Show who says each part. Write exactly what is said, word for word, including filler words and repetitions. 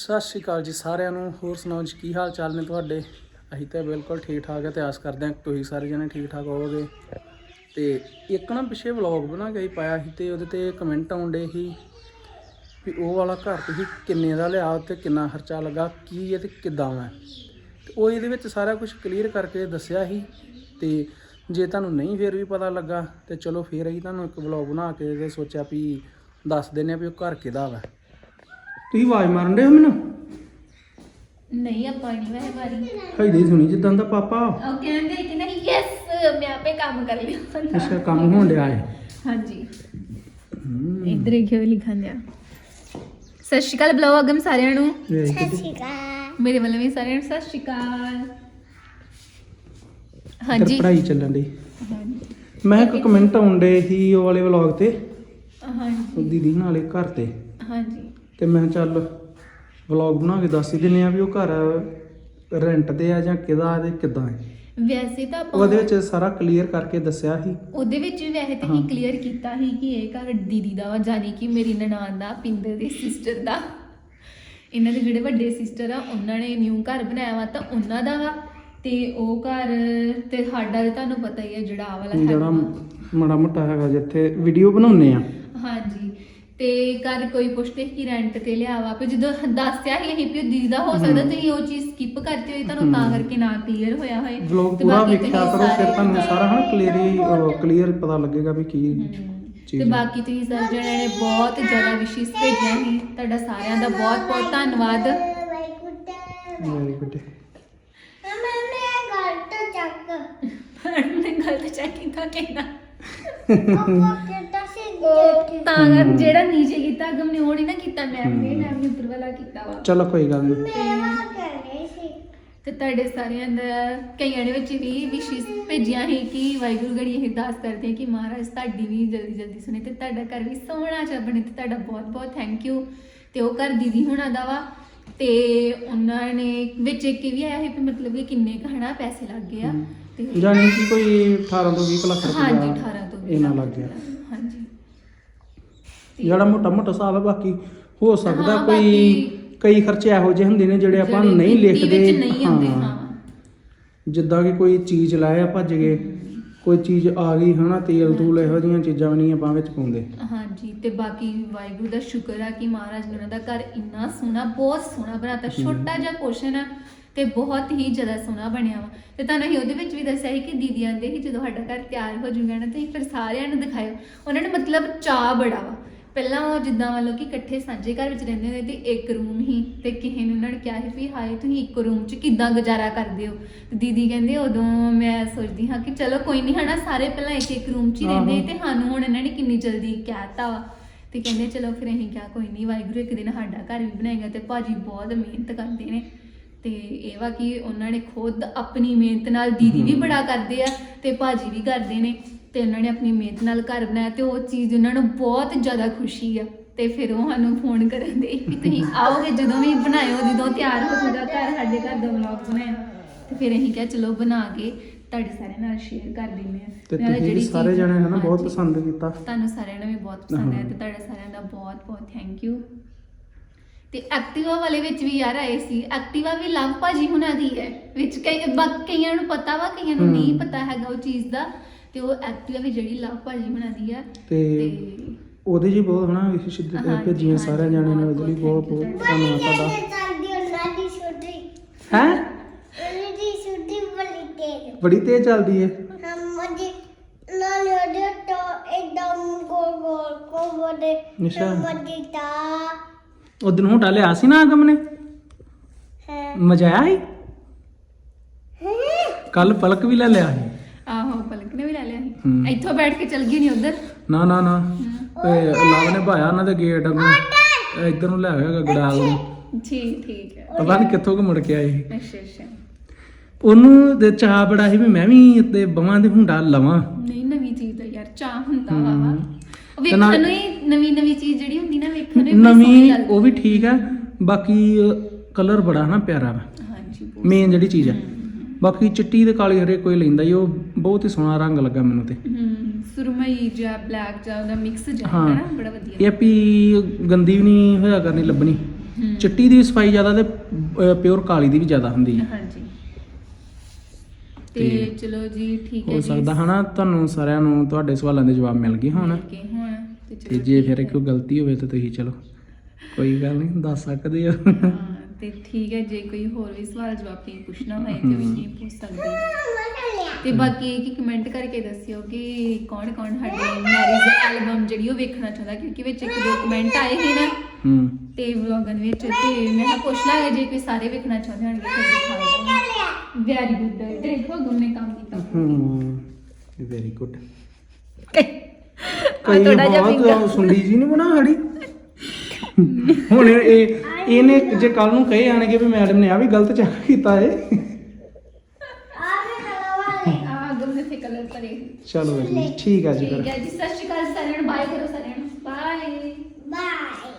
Speaker 1: ਸਤਿ ਸ਼੍ਰੀ ਅਕਾਲ ਜੀ ਸਾਰਿਆਂ ਨੂੰ। ਹੋਰ ਸੁਣਾਓ ਜੀ, ਕੀ ਹਾਲ ਚਾਲ ਨੇ ਤੁਹਾਡੇ? ਅਸੀਂ ਤਾਂ ਬਿਲਕੁਲ ਠੀਕ ਠਾਕ ਹੈ ਤੇ ਆਸ ਕਰਦੇ ਹਾਂ ਤੁਸੀਂ ਸਾਰੇ ਜਣੇ ਠੀਕ ਠਾਕ ਹੋਵੋਗੇ। ਤੇ ਇੱਕ ਨਾ ਪਿੱਛੇ ਵਲੌਗ ਬਣਾ ਕੇ ਪਾਇਆ ਸੀ ਤੇ ਉਹਦੇ ਤੇ ਕਮੈਂਟ ਆਉਂਦੇ ਸੀ ਵੀ ਉਹ ਵਾਲਾ ਘਰ ਤੁਸੀਂ ਕਿੰਨੇ ਦਾ ਲਿਆ ਤੇ ਕਿੰਨਾ ਖਰਚਾ ਲੱਗਾ, ਕੀ ਹੈ ਤੇ ਕਿੱਦਾਂ ਹੈ। ਤੇ ਉਹ ਇਹਦੇ ਵਿੱਚ ਸਾਰਾ ਕੁਝ ਕਲੀਅਰ ਕਰਕੇ ਦੱਸਿਆ ਸੀ। ਤੇ ਜੇ ਤੁਹਾਨੂੰ ਨਹੀਂ ਫਿਰ ਵੀ ਪਤਾ ਲੱਗਾ ਤੇ ਚਲੋ ਫਿਰ ਅਸੀਂ ਤੁਹਾਨੂੰ ਇੱਕ ਵਲੌਗ ਬਣਾ ਕੇ ਤੇ ਸੋਚਿਆ ਵੀ ਦੱਸ ਦਿੰਦੇ ਆ ਵੀ ਉਹ ਘਰ ਕਿਹਦਾ ਵਾ। ਤੁਸੀਂ ਆਵਾਜ਼ ਮਾਰਨ ਦੇ ਹੋ ਮੈਨੂੰ?
Speaker 2: ਨਹੀਂ ਆਪਾਂ ਨਹੀਂ ਵੈਸੇ ਬਾਰੀ
Speaker 1: ਹੈਦੀ ਸੁਣੀ ਜਿੱਦਾਂ ਦਾ ਪਾਪਾ
Speaker 2: ਉਹ ਕਹਿੰਦੇ ਕਿ ਨਹੀਂ ਯੈਸ ਮੈਂ ਆਪੇ ਕੰਮ ਕਰ ਲਿਆ।
Speaker 1: ਅੱਛਾ ਕੰਮ ਹੋਣ ਡਿਆ ਹੈ।
Speaker 2: ਹਾਂਜੀ ਇਧਰ ਕਿਉਂ ਲਿਖਣ ਦਿਆ। ਸਤਿ ਸ਼੍ਰੀ ਅਕਾਲ ਬੁਲਾਓ ਅਗਮ ਸਾਰਿਆਂ ਨੂੰ।
Speaker 3: ਸਤਿ ਸ਼੍ਰੀ ਅਕਾਲ।
Speaker 2: ਮੇਰੇ ਵੱਲੋਂ ਵੀ ਸਾਰਿਆਂ ਨੂੰ ਸਤਿ ਸ਼੍ਰੀ ਅਕਾਲ। ਹਾਂਜੀ
Speaker 1: ਪੜ੍ਹਾਈ ਚੱਲਣ ਦੀ। ਮੈਂ ਇੱਕ ਕਮੈਂਟ ਆਉਂਦੇ ਸੀ ਉਹ ਵਾਲੇ ਵਲੌਗ ਤੇ,
Speaker 2: ਹਾਂਜੀ
Speaker 1: ਦੀਦੀ ਨਾਲੇ ਘਰ ਤੇ,
Speaker 2: ਹਾਂਜੀ
Speaker 1: ਤੇ ਮੈਂ ਚੱਲ ਵਲੌਗ ਬਣਾ ਕੇ ਦੱਸ ਹੀ ਦਿੰਦੇ ਆ ਵੀ ਉਹ ਘਰ ਰੈਂਟ ਤੇ ਆ ਜਾਂ ਕਿਹਦਾ ਤੇ ਕਿੱਦਾਂ ਹੈ।
Speaker 2: ਵੈਸੇ ਤਾਂ ਆਪਾਂ
Speaker 1: ਉਹਦੇ ਵਿੱਚ ਸਾਰਾ ਕਲੀਅਰ ਕਰਕੇ ਦੱਸਿਆ ਸੀ।
Speaker 2: ਉਹਦੇ ਵਿੱਚ ਵੀ ਵੈਸੇ ਤਾਂ ਹੀ ਕਲੀਅਰ ਕੀਤਾ ਸੀ ਕਿ ਇਹ ਘਰ ਦੀਦੀ ਦਾ ਵਾ, ਜਾਨੀ ਕਿ ਮੇਰੀ ਨਨਾਣ ਦਾ, ਪਿੰਦਰ ਦੀ ਸਿਸਟਰ ਦਾ। ਇਹਨਾਂ ਦੇ ਜਿਹੜੇ ਵੱਡੇ ਸਿਸਟਰ ਆ ਉਹਨਾਂ ਨੇ ਨਿਊ ਘਰ ਬਣਾਇਆ ਵਾ ਤਾਂ ਉਹਨਾਂ ਦਾ ਵਾ। ਤੇ ਉਹ ਘਰ ਤੇ ਸਾਡਾ ਤੇ ਤੁਹਾਨੂੰ ਪਤਾ ਹੀ ਹੈ ਜਿਹੜਾ ਆ ਵਾਲਾ
Speaker 1: ਜਿਹੜਾ ਮਾੜਾ ਮੋਟਾ ਹੈਗਾ ਜਿੱਥੇ ਵੀਡੀਓ ਬਣਾਉਂਦੇ ਆ।
Speaker 2: ਹਾਂਜੀ ਤੇ ਘਰ ਕੋਈ ਪੁੱਛਦੇ ਕਿ ਰੈਂਟ ਤੇ ਲਿਆ ਵਾ, ਪਰ ਜਦੋਂ ਦੱਸਿਆ ਹੀ ਅਸੀਂ ਵੀ ਦੀਦੀ ਦਾ ਹੋ ਸਕਦਾ ਤੁਸੀਂ ਉਹ ਚੀਜ਼ ਸਕਿਪ ਕਰਤੇ ਹੋਏ, ਤੁਹਾਨੂੰ ਤਾਂ ਕਰਕੇ ਨਾ ਕਲੀਅਰ ਹੋਇਆ ਹੋਏ।
Speaker 1: ਵਲੌਗ ਪੂਰਾ ਵੇਖਿਆ ਕਰੋ ਫਿਰ ਤੁਹਾਨੂੰ ਸਾਰਾ ਹਾਂ ਕਲੀਅਰ ਕਲੀਅਰ ਪਤਾ ਲੱਗੇਗਾ ਵੀ ਕੀ ਚੀਜ਼।
Speaker 2: ਤੇ ਬਾਕੀ ਤੁਸੀਂ ਸਾਰੇ ਜਣਿਆਂ ਨੇ ਬਹੁਤ ਜ਼ਿਆਦਾ ਵਿਸ਼ੇਸ ਭੇਜੀਆਂ ਸੀ, ਤੁਹਾਡਾ ਸਾਰਿਆਂ ਦਾ ਬਹੁਤ ਬਹੁਤ ਧੰਨਵਾਦ।
Speaker 1: Very good.
Speaker 2: ਮੈਂ ਗਲਤ ਚੈੱਕ ਕੀਤਾ ਕਿੰਨਾ ਤਾਂ ਕਰ ਜਿਹੜਾ ਨੀਚੇ ਕੀਤਾ ਅਗਮ ਨੇ ਉਹ ਨਹੀਂ ਨਾ ਕੀਤਾ, ਮੈਮ ਨੇ ਮੈਮ ਨੇ ਉੱਪਰ ਵਾਲਾ ਕੀਤਾ ਵਾ।
Speaker 1: ਚਲੋ ਕੋਈ ਗੱਲ ਨਹੀਂ।
Speaker 2: ਤੇ ਤੁਹਾਡੇ ਸਾਰਿਆਂ ਦਾ ਕਈਆਂ ਦੇ ਵਿੱਚ ਵੀ ਵਿਸ਼ੇਸ ਭੇਜੀਆਂ ਸੀ ਕਿ ਵਾਹਿਗੁਰੂ ਗੜੀ ਇਹ ਅਰਦਾਸ ਕਰਦੇ ਕਿ ਮਹਾਰਾਜ ਤੁਹਾਡੀ ਵੀ ਜਲਦੀ ਜਲਦੀ ਸੁਣੇ ਤੇ ਤੁਹਾਡਾ ਘਰ ਵੀ ਸੋਹਣਾ ਜਿਹਾ ਬਣੇ। ਤੇ ਤੁਹਾਡਾ ਬਹੁਤ ਬਹੁਤ ਥੈਂਕ ਯੂ। ਤੇ ਉਹ ਘਰ ਦੀਦੀ ਹੁਣਾਂ ਦਾ ਵਾ ਤੇ ਉਹਨਾਂ ਨੇ ਵਿੱਚ ਇੱਕ ਵੀ ਆਇਆ ਸੀ ਵੀ ਮਤਲਬ ਕਿ ਕਿੰਨੇ ਕੁ ਹਨਾ ਪੈਸੇ ਲੱਗ ਗਏ ਆ। ਤੇ
Speaker 1: ਜਾਨੀ ਕਿ ਕੋਈ ਅਠਾਰਾਂ ਤੋਂ ਵੀਹ ਲੱਖ ਰੁਪਏ
Speaker 2: ਹਾਂਜੀ ਅਠਾਰਾਂ ਤੋਂ ਵੀਹ
Speaker 1: ਇਹਨਾਂ ਲੱਗ ਗਿਆ।
Speaker 2: ਹਾਂਜੀ
Speaker 1: ਜਿਹੜਾ ਮੋਟਾ ਮੋਟਾ ਹਿਸਾਬ ਹੈ, ਬਾਕੀ ਹੋ ਸਕਦਾ
Speaker 2: ਹਾਂ,
Speaker 1: ਕੋਈ
Speaker 2: ਬਾਕੀ
Speaker 1: ਕਈ ਖਰਚੇ ਇਹੋ ਜਿਹੇ ਹੁੰਦੇ ਨੇ ਜਿਹੜੇ ਆਪਾਂ
Speaker 2: ਜਿਹੜੇ
Speaker 1: ਨਹੀਂ
Speaker 2: ਗਿਣਤੀ ਵਿੱਚ
Speaker 1: ਲਿਖਦੇ।
Speaker 2: ਨਹੀਂ ਆਉਂਦੇ।
Speaker 1: ਹਾਂ
Speaker 2: ਹਾਂ
Speaker 1: ਜਿੱਦਾਂ ਕਿ ਕੋਈ ਚੀਜ਼ ਲਾਏ ਆ ਭੱਜ ਗਏ, ਕੋਈ ਚੀਜ਼ ਆ ਗਈ ਹਨਾ, ਤੇਲ ਤੂਲ ਇਹੋ ਜਿਹੀਆਂ ਚੀਜ਼ਾਂ ਵੀ ਨਹੀਂ ਆਪਾਂ ਵਿੱਚ ਪਾਉਂਦੇ। ਹਾਂਜੀ
Speaker 2: ਤੇ ਬਾਕੀ ਵਾਹਿਗੁਰੂ ਦਾ ਸ਼ੁਕਰ ਆ ਕਿ ਮਹਾਰਾਜ ਨੇ ਉਹਨਾਂ ਦਾ ਘਰ ਇੰਨਾ ਸੋਹਣਾ, ਬਹੁਤ ਸੋਹਣਾ ਬਣਾਤਾ। ਛੋਟਾ ਜਿਹਾ ਪੋਰਸ਼ਨ ਆ ਤੇ ਬਹੁਤ ਹੀ ਜ਼ਿਆਦਾ ਸੋਹਣਾ ਬਣਿਆ ਵਾ। ਤੇ ਤੁਹਾਨੂੰ ਅਸੀਂ ਉਹਦੇ ਵਿੱਚ ਵੀ ਦੱਸਿਆ ਸੀ ਕਿ ਦੀਦੀ ਆਂਦੇ ਸੀ ਜਦੋਂ ਸਾਡਾ ਘਰ ਤਿਆਰ ਹੋ ਜੂਗਾ ਨਾ ਤੇ ਫਿਰ ਸਾਰਿਆਂ ਨੂੰ ਦਿਖਾਇਓ। ਉਹਨਾਂ ਨੇ ਮਤਲਬ ਚਾਅ ਬੜਾ ਵਾ। ਪਹਿਲਾਂ ਉਹ ਜਿੱਦਾਂ ਵੱਲੋਂ ਕਿ ਇਕੱਠੇ ਸਾਂਝੇ ਘਰ ਵਿੱਚ ਰਹਿੰਦੇ ਹੁੰਦੇ ਤੇ ਇੱਕ ਰੂਮ ਹੀ, ਤੇ ਕਿਸੇ ਨੇ ਉਹਨਾਂ ਨੇ ਕਿਹਾ ਸੀ ਵੀ ਹਾਏ ਤੁਸੀਂ ਇੱਕ ਰੂਮ 'ਚ ਕਿੱਦਾਂ ਗੁਜ਼ਾਰਾ ਕਰਦੇ ਹੋ। ਤੇ ਦੀਦੀ ਕਹਿੰਦੇ ਉਦੋਂ ਮੈਂ ਸੋਚਦੀ ਹਾਂ ਕਿ ਚਲੋ ਕੋਈ ਨਹੀਂ ਹਨਾ, ਸਾਰੇ ਪਹਿਲਾਂ ਇੱਕ ਇੱਕ ਰੂਮ 'ਚ ਹੀ ਰਹਿੰਦੇ ਤੇ ਸਾਨੂੰ ਹੁਣ ਇਹਨਾਂ ਨੇ ਕਿੰਨੀ ਜਲਦੀ ਕਹਿਤਾ ਵਾ। ਤੇ ਕਹਿੰਦੇ ਚਲੋ ਫਿਰ ਅਸੀਂ ਕਿਹਾ ਕੋਈ ਨਹੀਂ ਵਾਹਿਗੁਰੂ ਇੱਕ ਦਿਨ ਸਾਡਾ ਘਰ ਵੀ ਬਣਾਏਗਾ। ਤੇ ਭਾਜੀ ਬਹੁਤ ਮਿਹਨਤ ਕਰਦੇ ਨੇ ਤੇ ਇਹ ਵਾ ਕਿ ਉਹਨਾਂ ਨੇ ਖੁਦ ਆਪਣੀ ਮਿਹਨਤ ਨਾਲ, ਦੀਦੀ ਵੀ ਬੜਾ ਕਰਦੇ ਆ ਤੇ ਭਾਜੀ ਵੀ ਕਰਦੇ ਨੇ, ਤੇ ਉਹਨਾਂ ਨੇ ਆਪਣੀ ਮਿਹਨਤ ਨਾਲ ਘਰ ਬਣਾਇਆ ਤੇ ਉਹ ਚੀਜ਼ ਉਹਨਾਂ ਨੂੰ ਬਹੁਤ ਜ਼ਿਆਦਾ ਖੁਸ਼ੀ ਆ। ਤੇ ਫਿਰ ਉਹ ਸਾਨੂੰ ਫੋਨ ਕਰਨ ਦੇ ਵੀ ਤੁਸੀਂ ਆਓਗੇ ਜਦੋਂ ਵੀ ਬਣਾਇਓ, ਜਦੋਂ ਤਿਆਰ ਹੋ ਜਾਊਗਾ ਘਰ, ਸਾਡੇ ਘਰ ਦਾ ਵਲੌਗ ਬਣਾਇਆ। ਤੇ ਫਿਰ ਅਸੀਂ ਕਿਹਾ ਚਲੋ ਬਣਾ ਕੇ ਤੁਹਾਡੇ ਸਾਰਿਆਂ ਨਾਲ ਸ਼ੇਅਰ ਕਰ ਦਿੰਦੇ ਆ।
Speaker 1: ਤੇ ਤੁਸੀਂ ਸਾਰੇ ਜਣੇ ਹਨਾ ਬਹੁਤ ਪਸੰਦ ਕੀਤਾ,
Speaker 2: ਤੁਹਾਨੂੰ ਸਾਰਿਆਂ ਨੂੰ ਵੀ ਬਹੁਤ ਪਸੰਦ ਆਇਆ ਤੇ ਤੁਹਾਡਾ ਸਾਰਿਆਂ ਦਾ ਬਹੁਤ ਬਹੁਤ ਥੈਂਕ ਯੂ। ਤੇ ਐਕਟਿਵਾ ਵਾਲੇ ਵਿੱਚ ਵੀ ਯਾਰ ਆਏ ਸੀ। ਐਕਟਿਵਾ ਵੀ ਲਵ ਭਾਜੀ ਹੁਣਾਂ ਦੀ ਹੈ ਵਿੱਚ, ਕਈ ਬਾਕੀ ਕਈਆਂ ਨੂੰ ਪਤਾ ਵਾ, ਕਈਆਂ ਨੂੰ ਨਹੀਂ ਪਤਾ ਹੈਗਾ ਉਹ ਚੀਜ਼ ਦਾ। ਤੇ ਉਹ ਐਕਟਿਵਾ ਵੀ ਜਿਹੜੀ ਲਵ ਭਾਜੀ ਹੁਣਾਂ ਦੀ ਆ
Speaker 1: ਤੇ ਉਹਦੇ ਜੀ ਬਹੁਤ ਹਨਾ ਵਿਸ਼ੇਸ਼ ਭੇਜੀਆਂ ਸਾਰਿਆਂ ਜਾਣਿਆਂ ਨੇ, ਉਹਦੇ ਲਈ ਬਹੁਤ ਬਹੁਤ ਧੰਨਵਾਦ ਤੁਹਾਡਾ। ਹੈ ਬੜੀ ਤੇਜ਼ ਚੱਲਦੀ ਹੈ। ਉਦੋਂ ਹੋਟਾ ਲਿਆ ਸੀ ਨਾ ਅਗਮ ਨੇ, ਮਜ਼ਾ ਆਇਆ ਸੀ। ਕੱਲ ਪਲਕ ਵੀ ਲੈ ਲਿਆ ਸੀ।
Speaker 2: ਆਹੋ ਪਲਕ ਨੇ ਵੀ ਲੈ ਲਿਆ ਸੀ। ਇੱਥੋਂ ਬੈਠ ਕੇ ਚਲ ਗਈ ਨਹੀਂ ਉਧਰ।
Speaker 1: ਨਾ ਨਾ ਨਾ ਲਾਭ ਨੇ ਭਾਇਆ ਉਹਨਾਂ ਦੇ ਗੇਟ ਅੱਗੋਂ ਇੱਧਰ ਨੂੰ ਲੈ ਗਿਆ ਗੜਾਲ ਨੂੰ।
Speaker 2: ਠੀਕ ਠੀਕ ਹੈ।
Speaker 1: ਪਤਾ ਨਹੀਂ ਕਿੱਥੋਂ ਕੁ ਮੁੜ ਕੇ ਆਏ ਸੀ।
Speaker 2: ਅੱਛਾ ਅੱਛਾ।
Speaker 1: ਉਹਨੂੰ ਤੇ ਚਾਹ ਬੜਾ ਸੀ ਵੀ ਮੈਂ ਵੀ ਤੇ ਬਵਾਂ ਦੇ ਹੁੰਡਾ ਲਵਾਂ।
Speaker 2: ਨਹੀਂ ਨਵੀਂ ਚੀਜ਼ ਦਾ ਯਾਰ ਚਾਹ ਹੁੰਦਾ ਵਾ। ਵੇਖਣ ਨੂੰ ਹੀ ਨਵੀਂ ਨਵੀਂ ਚੀਜ਼ ਜਿਹੜੀ ਹੁੰਦੀ ਨਾ ਵੇਖਣ ਨੂੰ
Speaker 1: ਨਵੀਂ ਉਹ ਵੀ ਠੀਕ ਹੈ, ਬਾਕੀ ਕਲਰ ਬੜਾ ਨਾ ਪਿਆਰਾ ਵਾ।
Speaker 2: ਹਾਂਜੀ
Speaker 1: ਮੇਨ ਜਿਹੜੀ ਚੀਜ਼ ਹੈ। ਬਾਕੀ ਚਿੱਟੀ ਤੇ ਕਾਲੀ ਹਰੇ ਕੋਈ ਲੈਂਦਾ ਹੀ, ਉਹ ਬਹੁਤ ਹੀ ਸੋਹਣਾ ਰੰਗ ਲੱਗਾ ਮੈਨੂੰ ਤੇ।
Speaker 2: ਹੂੰ ਸੁਰਮਈ ਜਾਂ ਬਲੈਕ ਜਾਂ ਉਹਦਾ ਮਿਕਸ ਜਿਹਾ ਹੈ ਨਾ, ਬੜਾ ਵਧੀਆ।
Speaker 1: ਇਹ ਵੀ ਗੰਦੀ ਵੀ ਨਹੀਂ ਹੋਇਆ ਕਰਨੀ ਲੱਭਣੀ।
Speaker 2: ਹਮ।
Speaker 1: ਚਿੱਟੀ ਦੀ ਸਫਾਈ ਜ਼ਿਆਦਾ ਤੇ ਪਿਓਰ ਕਾਲੀ ਦੀ ਵੀ ਜ਼ਿਆਦਾ ਹੁੰਦੀ ਹੈ।
Speaker 2: ਹਾਂਜੀ ਤੇ
Speaker 1: ਤੇ
Speaker 2: ਚਲੋ ਜੀ ਠੀਕ ਹੈ
Speaker 1: ਹੋ
Speaker 2: ਜੀ
Speaker 1: ਸਕਦਾ ਹਨਾ ਤੁਹਾਨੂੰ ਸਾਰਿਆਂ ਨੂੰ ਤੁਹਾਡੇ ਸਵਾਲਾਂ ਦੇ ਜਵਾਬ ਮਿਲ ਗਏ ਹੋਣ,
Speaker 2: ਕਿ ਹੁਣ ਤੇ
Speaker 1: ਤੇ
Speaker 2: ਚਲੋ
Speaker 1: ਜੇ
Speaker 2: ਠੀਕ
Speaker 1: ਫਿਰ
Speaker 2: ਹੈ।
Speaker 1: ਕੋਈ ਗਲਤੀ ਹੋਵੇ ਤਾਂ ਤੁਸੀਂ ਚਲੋ ਕੋਈ ਗੱਲ ਨਹੀਂ ਦੱਸ ਸਕਦੇ ਹੋ।
Speaker 2: ਹਾਂ ਤੇ ਠੀਕ ਹੈ, ਜੇ ਕੋਈ ਹੋਰ ਵੀ ਸਵਾਲ ਜਵਾਬ ਤੁਸੀਂ ਪੁੱਛਣਾ ਹੋਏ ਤੇ ਵੀ ਤੁਸੀਂ ਪੁੱਛ ਸਕਦੇ ਹੋ। ਤੇ ਬਾਕੀ ਇਹ ਕਿ ਕਮੈਂਟ ਕਰਕੇ ਦੱਸਿਓ ਕਿ ਕੌਣ ਕੌਣ ਸਾਡੀ ਮੈਰਿਜ ਐਲਬਮ ਜਿਹੜੀ ਉਹ ਵੇਖਣਾ ਚਾਹੁੰਦਾ, ਕਿਉਂਕਿ ਵਿੱਚ ਇੱਕ ਦੋ ਕਮੈਂਟ ਆਏ ਸੀ ਨਾ
Speaker 1: ਹੂੰ
Speaker 2: ਤੇ ਵਲੌਗਨ ਵਿੱਚ, ਤੇ ਮੈਂ ਕਿਹਾ ਪੁੱਛ ਲਾਂਗੇ ਜੇ ਕੋਈ ਸਾਰੇ ਵੇਖਣਾ ਚਾਹੁੰਦੇ ਹੋਣਗੇ ਫਿਰ ਦਿਖਾ ਦਾਂਗੇ। ਵੈਰੀ ਗੁੱਡ, ਦੇਖੋ ਗੁੰਮ ਨੇ ਕੰਮ ਕੀਤਾ।
Speaker 1: ਹੂੰ ਵੈਰੀ ਗੁੱਡ।
Speaker 2: ਆ ਥੋੜਾ ਜਿਹਾ ਫਿੰਗਰ
Speaker 1: ਸੁੰਡੀ ਜੀ ਨਹੀਂ ਬਣਾ ਹੜੀ ਹੁਣ ਇਹ ਇਹਨੇ ਜੇ ਕੱਲ ਨੂੰ ਕਹੇ ਆਣਗੇ ਵੀ ਮੈਡਮ ਨੇ ਆ ਵੀ ਗਲਤ ਚੈੱਕ ਕੀਤਾ ਏ।
Speaker 2: ਆ ਗੁੰਮ ਨੇ ਤੇ ਕਲਰ ਕਰੇ।
Speaker 1: ਚਲੋ ਜੀ ਠੀਕ ਆ ਜੀ
Speaker 2: ਠੀਕ
Speaker 1: ਫਿਰ
Speaker 2: ਹੈ ਜੀ, ਸਤਿ ਸ਼੍ਰੀ ਅਕਾਲ ਸਾਰਿਆਂ ਨੂੰ, ਬਾਏ ਕਰੋ ਸਾਰਿਆਂ ਨੂੰ, ਬਾਏ
Speaker 3: ਬਾਏ